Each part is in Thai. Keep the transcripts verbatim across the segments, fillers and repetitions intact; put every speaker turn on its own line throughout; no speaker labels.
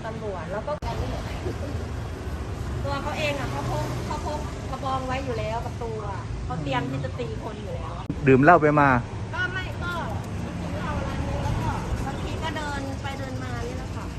ตำรวจแล้วก็ตัวเขาเองอ่ะเขาพกเขาพกกระบองไว้อยู่แล้วกับตัวเขาเตรียมที่จะตีคนอยู่แล้ว
ดื่มเหล้าไปมา
ก็ไม่ก็กินเหล้าร้านนี้แล้วก็บางทีก็เดินไปเดินมานี่แหละค่ะ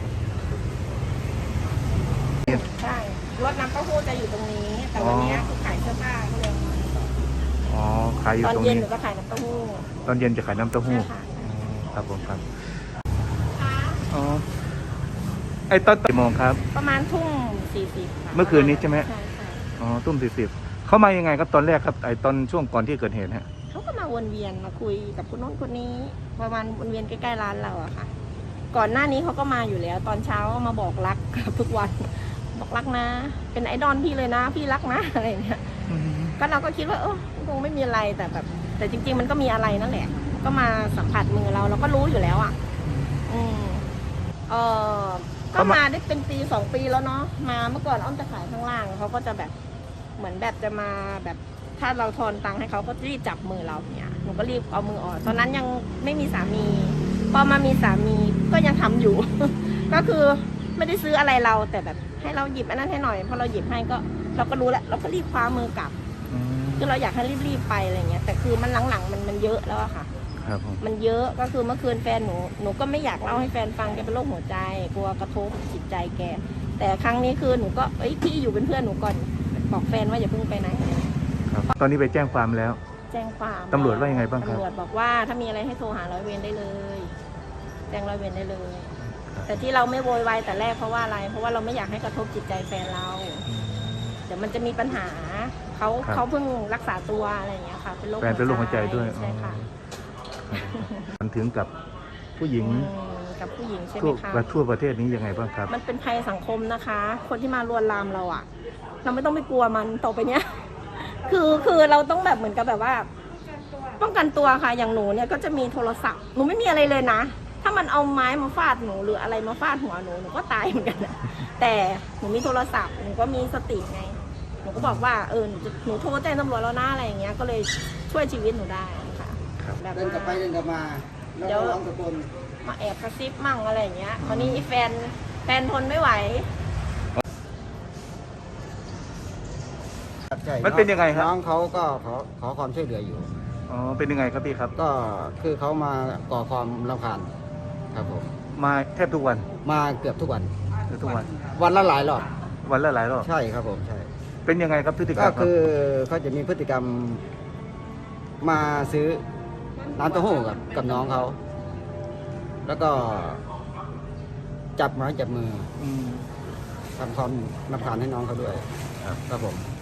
ใช่รถน้ำเต้าหู้จะอยู่ตรงนี้แต่วันนี้คือขายเสื้อผ้าเขาเลย
อ๋อขายอยู่ตรงนี้
ตอนเย็นหนูก็ขายน้ำเต้าหู้
ตอนเย็นจะขายน้ำเต้าหู้ครับผมครับอ๋อไอ้ตอนกี่โมงครับ
ประมาณทุ่มสี่สิบ
เมื่อคืนนี้ใช่ไหม
ใช่ใช่
อ๋อทุ่มสี่สิบเขามายังไงครับตอนแรกครับไอ้ตอนช่วงก่อนที่เกิดเหตุฮะ
เขาก็มาวนเวียนมาคุยกับคนโน้นคนนี้ประมาณวนเวียนใกล้ๆร้านเราอะค่ะก่อนหน้านี้เขาก็มาอยู่แล้ว ตอนเช้ามาบอกรักทุกวันบอกรักนะเป็นไอดอลพี่เลยนะพี่รักนะอะไรเงี้ยก็เราก็คิดว่าเออคงไม่มีอะไรแต่แบบแต่จริงๆมันก็มีอะไรนั่นแหละก็มาสัมผัสมือเราเราก็รู้อยู่แล้วอะอืมเออก็มาได้เป็นปีสองปีแล้วเนาะมาเมื่อก่อนอ้อมจะขายข้างล่างเขาก็จะแบบเหมือนแบบจะมาแบบถ้าเราทอนตังค์ให้เขาก็รีบจับมือเราเนี่ยหนูก็รีบเอามือออกตอนนั้นยังไม่มีสามีพอมามีสามีก็ยังทำอยู่ ก็คือไม่ได้ซื้ออะไรเราแต่แบบให้เราหยิบอันนั้นให้หน่อยพอเราหยิบให้ก็เราก็รู้แล้วเราก็รีบคว้ามือกลับคือเราอยากให้รีบๆไปอะไรเงี้ยแต่คือมันหลังๆมันมันเยอะแล้วอะค่ะมันเยอะก็คือเมื่อคืนแฟนหนูหนูก็ไม่อยากเล่าให้แฟนฟังแกเป็นโรคหัวใจกลัวกระทบจิตใจแกแต่ครั้งนี้คือหนูก็เอ้ยพี่อยู่เป็นเพื่อนหนูก่อนบอกแฟนว่าอย่าเพิ่งไปไหน
ครับตอนนี้ไปแจ้งความแล้ว
แจ้งความ
ตำรวจว่ายังไงบ้างครับ
ตำรวจบอกว่าถ้ามีอะไรให้โทรหาร้อยเวรได้เลยแจ้งร้อยเวรได้เลยแต่ที่เราไม่โวยวายแต่แรกเพราะว่าอะไรเพราะว่าเราไม่อยากให้กระทบจิตใจแฟนเราเดี๋ยวมันจะมีปัญหาเขาเขาเพิ่งรักษาตัวอะไรอย่างเงี้ยค่ะเป็นโรค
แฟนเป็นโรคหัวใจด้วย
ใช่ค่ะ
มันถึงกับผู้หญิง
กับผู้หญิงใช่ไหมคะ
ทั่วประเทศนี้ยังไงบ้างครับ
มันเป็นภัยสังคมนะคะ คนที่มาลวนลามเราอะเราไม่ต้องไปกลัวมันต่อไปเนี้ยคือคือเราต้องแบบเหมือนกับแบบว่าป้องกันตัวค่ะอย่างหนูเนี่ยก็จะมีโทรศัพท์หนูไม่มีอะไรเลยนะถ้ามันเอาไม้มาฟาดหนูหรืออะไรมาฟาดหัวหนูหนูก็ตายเหมือนกันนะแต่หนูมีโทรศัพท์หนูก็มีสติไงหนูก็บอกว่าเออหนูหนูโทรแจ้งตำรวจแล้วนะอะไรอย่างเงี้ยก็เลยช่วยชีวิตหนูได้ค่ะ
เดินกลับไปเดินกลับมา
เดี๋ยว
ร้องตะโกน
มาแอบกระซิบมั่งอะไรอย่างเงี้ยคราวนี้แฟนแฟนทนไม่ไหว
มันเป็นยังไงครับ
น้องเขาก็ขอขอความช่วยเหลืออยู่
อ๋อเป็นยังไงครับพี่ครับ
ก็คือเขามาก่อความรำคาญครับผม
มาแทบทุกวัน
มาเกือบทุกวัน
ทุกวัน
วันละหลายรอบ
วันละหลายรอบ
ใช่ครับผมใช่
เป็นยังไงครับพฤติกรรม
ก็คือเขาจะมีพฤติกรรมมาซื้อน้ำเต้าหู้กับกับน้องเขาแล้วก็จับไม้จับมือทำความรำคาญให้น้องเขาด้วยครับผม